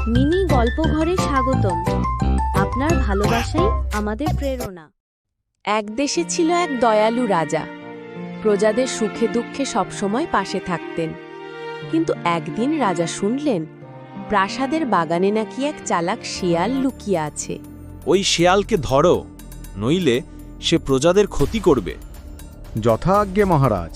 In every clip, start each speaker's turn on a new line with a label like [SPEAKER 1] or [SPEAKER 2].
[SPEAKER 1] Mini গল্পঘরে স্বাগতম। আপনার ভালোবাসাই আমাদের প্রেরণা।
[SPEAKER 2] এক দেশে ছিল এক দয়ালু রাজা। প্রজাদের সুখে দুঃখে সবসময় পাশে থাকতেন। কিন্তু একদিন রাজা শুনলেন প্রাসাদের বাগানে নাকি এক চালাক শিয়াল লুকিয়ে আছে।
[SPEAKER 3] ওই শেয়ালকে ধরো, নইলে সে প্রজাদের ক্ষতি করবে।
[SPEAKER 4] যথা আজ্ঞে মহারাজ।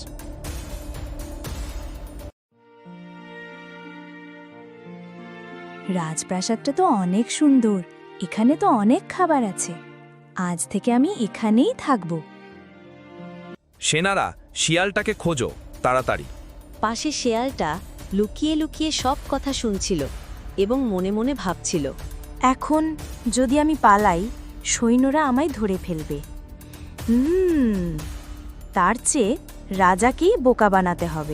[SPEAKER 5] রাজপ্রাসাদটা তো অনেক সুন্দর, এখানে তো অনেক খাবার আছে। আজ থেকে আমি এখানেই থাকব।
[SPEAKER 6] সেনারা, শিয়ালটাকে খোঁজো তাড়াতাড়ি।
[SPEAKER 1] পাশে শেয়ালটা লুকিয়ে লুকিয়ে সব কথা শুনছিল এবং মনে মনে ভাবছিল,
[SPEAKER 5] এখন যদি আমি পালাই, সৈন্যরা আমায় ধরে ফেলবে। তার চেয়ে রাজাকেই বোকা বানাতে হবে।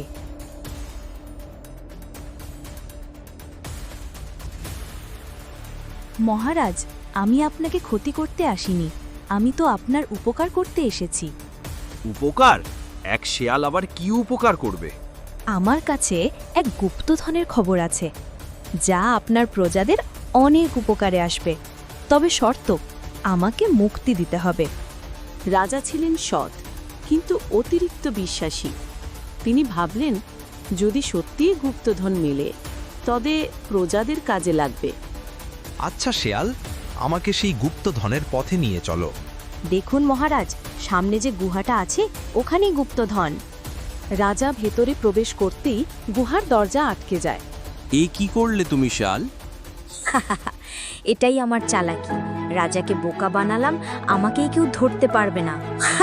[SPEAKER 5] মহারাজ, আমি আপনাকে ক্ষতি করতে আসিনি, আমি তো আপনার উপকার করতে এসেছি।
[SPEAKER 3] উপকার? এক শেয়াল আবার কি উপকার করবে?
[SPEAKER 5] আমার কাছে এক গুপ্তধনের খবর আছে, যা আপনার প্রজাদের অনেক উপকারে আসবে। তবে শর্ত, আমাকে মুক্তি দিতে হবে।
[SPEAKER 2] রাজা ছিলেন সৎ কিন্তু অতিরিক্ত বিশ্বাসী। তিনি ভাবলেন যদি সত্যিই গুপ্তধন মেলে তবে প্রজাদের কাজে লাগবে।
[SPEAKER 6] আচ্ছা শেয়াল, আমাকে সেই গুপ্তধনের পথে নিয়ে চলো।
[SPEAKER 5] দেখুন মহারাজ, সামনে যে গুহাটা আছে ওখানেই গুপ্তধন।
[SPEAKER 2] রাজা ভেতরে প্রবেশ করতেই গুহার দরজা আটকে যায়।
[SPEAKER 3] এ কি করলে তুমি শেয়াল?
[SPEAKER 5] এটাই আমার চালাকি। রাজাকে বোকা বানালাম, আমাকেই কেউ ধরতে পারবে না।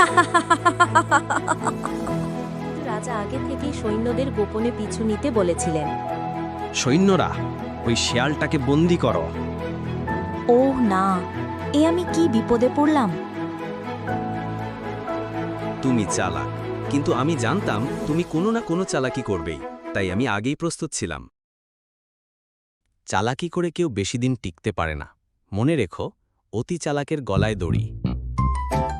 [SPEAKER 1] রাজা আগে থেকেই সৈন্যদের গোপনে পিছু নিতে বলেছিলেন।
[SPEAKER 3] সৈন্যরা, ওই শেয়ালটাকে বন্দী করো।
[SPEAKER 5] ওহ না, এ আমি কি বিপদে পড়লাম।
[SPEAKER 3] তুমি চালাক, কিন্তু আমি জানতাম তুমি কোনো না কোনো চালাকি করবেই, তাই আমি আগেই প্রস্তুত ছিলাম। চালাকি করে কেউ বেশি দিন টিকতে পারে না। মনে রেখো, অতি চালাকের গলায় দড়ি।